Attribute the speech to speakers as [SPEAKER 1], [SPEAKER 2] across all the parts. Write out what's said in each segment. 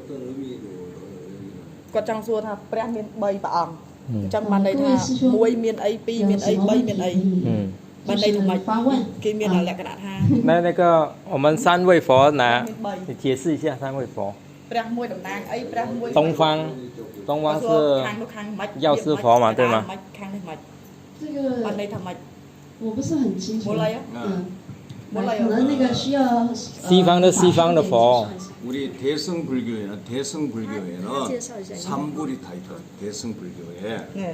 [SPEAKER 1] quạt trăng xua tha pre miền bay bảng trong màn này tha muối miền ấy pi miền ấy bay miền ấy màn này thằng mày cái miền là lẹ cái đạn ha
[SPEAKER 2] 那个我们三位佛拿，你解释一下三位佛。
[SPEAKER 1] pre muối đồng nang ấy pre muối
[SPEAKER 2] 东方是药师佛嘛，对吗？
[SPEAKER 3] 这个
[SPEAKER 1] màn này thằng mày
[SPEAKER 3] 我不是很清楚。
[SPEAKER 1] mua lấy á
[SPEAKER 3] 可能那个需要
[SPEAKER 2] 西方的佛。
[SPEAKER 4] 우리 대승불교에는 삼불이 다 있다. 대승불교에
[SPEAKER 1] nè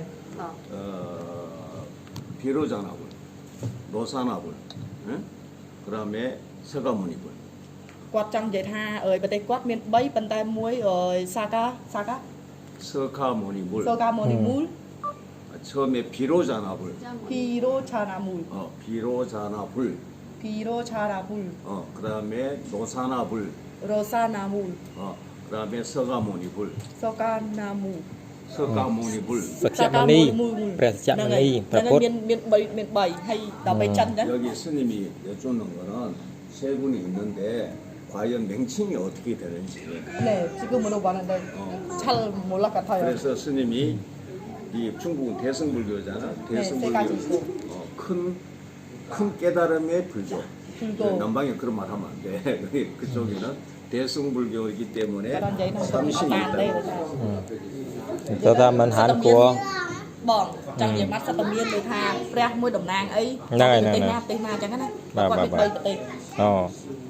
[SPEAKER 4] 비로자나불, 노사나불, 응? 그다음에 서가모니불.
[SPEAKER 1] quạt trăng vậy tha ơi bên đây quạt miền bay bên tay muối rồi saka
[SPEAKER 4] 서가모니불.
[SPEAKER 1] mul
[SPEAKER 4] 처음에 비로자나불.
[SPEAKER 1] piro chana mul
[SPEAKER 4] 비로자나불.
[SPEAKER 1] piro chana mul
[SPEAKER 4] 그다음에 노사나불.
[SPEAKER 1] rosana mul
[SPEAKER 4] 그다음에 서가모니불.
[SPEAKER 1] sokana mul
[SPEAKER 4] 서가모니불.
[SPEAKER 2] สัจจมณีព្រះสัจจมณีพระพุทธ
[SPEAKER 1] miền bảy hay đào bảy chân đấy
[SPEAKER 4] 여기 스님이 여쭙는 거는 세 분이 있는데 과연 명칭이 어떻게 되는지.
[SPEAKER 1] nè 지금 뭐라고 하는데 잘 몰라같아요
[SPEAKER 4] 그래서 스님이 이 중국 대승불교잖아. 대승불교 큰 깨달음의 불교. 남방에 그런 말 하면 안 돼. 그쪽에는 대승불교이기 때문에 삼신이 있다.
[SPEAKER 2] Cho ta mình hẳn của
[SPEAKER 1] bọn chẳng nhiều mắt sao tầm miên người tha pre môi đồng nang ấy
[SPEAKER 2] này
[SPEAKER 1] tây na chẳng cái này
[SPEAKER 2] bà.
[SPEAKER 1] quạt miền bay tây
[SPEAKER 2] Ồ